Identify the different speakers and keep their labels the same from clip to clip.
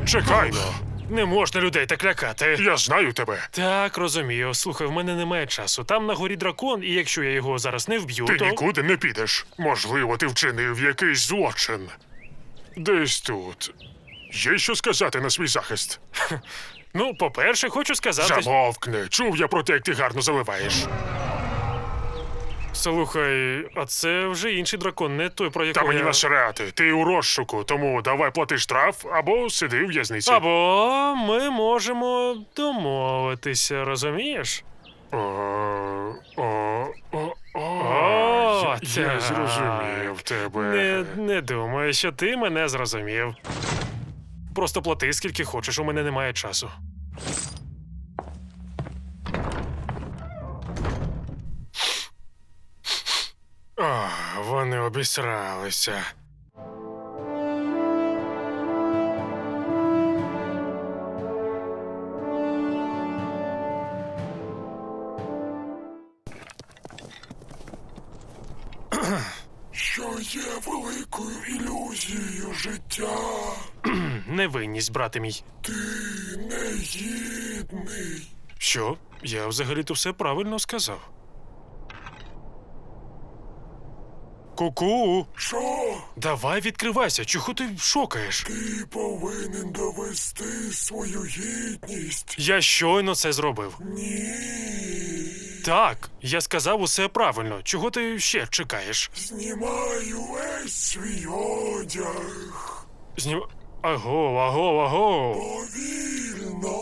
Speaker 1: Чекай,
Speaker 2: Не можна людей так лякати.
Speaker 1: я знаю тебе.
Speaker 2: Так, розумію. Слухай, в мене немає часу. Там на горі дракон, і якщо я його зараз не вб'ю,
Speaker 1: Ти
Speaker 2: то...
Speaker 1: нікуди не підеш. Можливо, ти вчинив якийсь злочин. Десь тут. Є що сказати на свій захист?
Speaker 2: Ну, по-перше, хочу сказати...
Speaker 1: Замовкни. Чув я про те, як ти гарно заливаєш.
Speaker 2: Слухай, а це вже інший дракон, не той, про
Speaker 1: Та
Speaker 2: якого
Speaker 1: мені
Speaker 2: я...
Speaker 1: насрати. Ти у розшуку, тому давай плати штраф або сиди в в'язниці.
Speaker 2: Або ми можемо домовитися, розумієш?
Speaker 1: О,
Speaker 2: О,
Speaker 1: я
Speaker 2: так.
Speaker 1: зрозумів тебе.
Speaker 2: Не думаю, що ти мене зрозумів. Просто плати скільки хочеш, у мене немає часу.
Speaker 1: О, вони обісралися. Що є великою ілюзією життя?
Speaker 2: Невинність, брате мій.
Speaker 1: Ти негідний.
Speaker 2: Що? Я взагалі-то все правильно сказав. Ку-ку!
Speaker 1: Що?
Speaker 2: Давай відкривайся, чого ти шокаєш?
Speaker 1: Ти повинен довести свою гідність.
Speaker 2: Я щойно це зробив.
Speaker 1: Ні.
Speaker 2: Так, я сказав усе правильно. Чого ти ще чекаєш?
Speaker 1: Знімаю весь свій одяг.
Speaker 2: Аго.
Speaker 1: Повільно.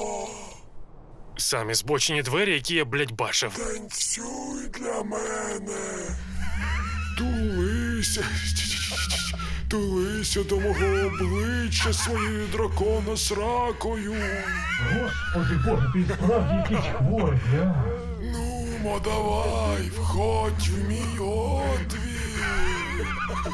Speaker 2: Самі збочені двері, які я, блядь, бачив.
Speaker 1: Танцюй для мене. Тулися. Тулися до мого обличчя своєю дракона сракою.
Speaker 3: Господи Боже, ти справді якийсь хворий, а?
Speaker 1: Ну, давай, входь в мій отвір.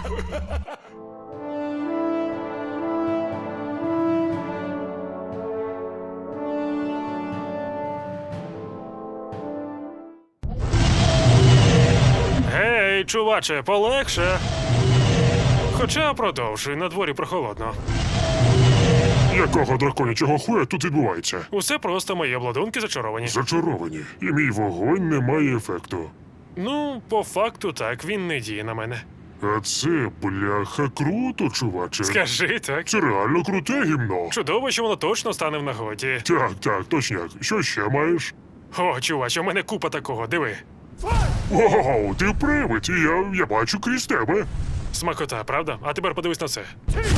Speaker 2: Гей, чуваче, полегше. Хоча продовжуй, на дворі прохолодно.
Speaker 1: Якого драконячого хуя тут відбувається?
Speaker 2: Усе просто мої обладунки зачаровані.
Speaker 1: Зачаровані. І мій вогонь не має ефекту.
Speaker 2: Ну, по факту так, він не діє на мене.
Speaker 1: А це, бляха, круто, чуваче.
Speaker 2: Скажи так.
Speaker 1: Це реально круте гімно.
Speaker 2: Чудово, що воно точно стане в нагоді.
Speaker 1: Так, точняк. Що ще маєш?
Speaker 2: О, чуваче, у мене купа такого, диви.
Speaker 1: Ого, ти привид, і я бачу крізь тебе.
Speaker 2: Смакота, правда? А тепер подивись на це.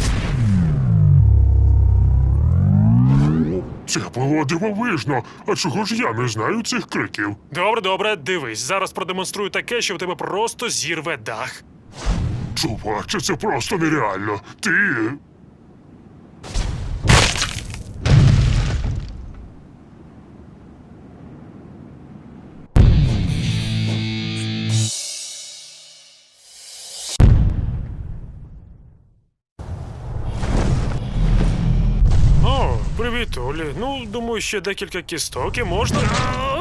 Speaker 1: Це було дивовижно. А чого ж я не знаю цих криків?
Speaker 2: Добре, дивись. Зараз продемонструю таке, що в тебе просто зірве дах.
Speaker 1: Чуваче, це просто нереально. Ти...
Speaker 2: О, привіт, Олі. Ну, думаю, ще декілька кісток і можна.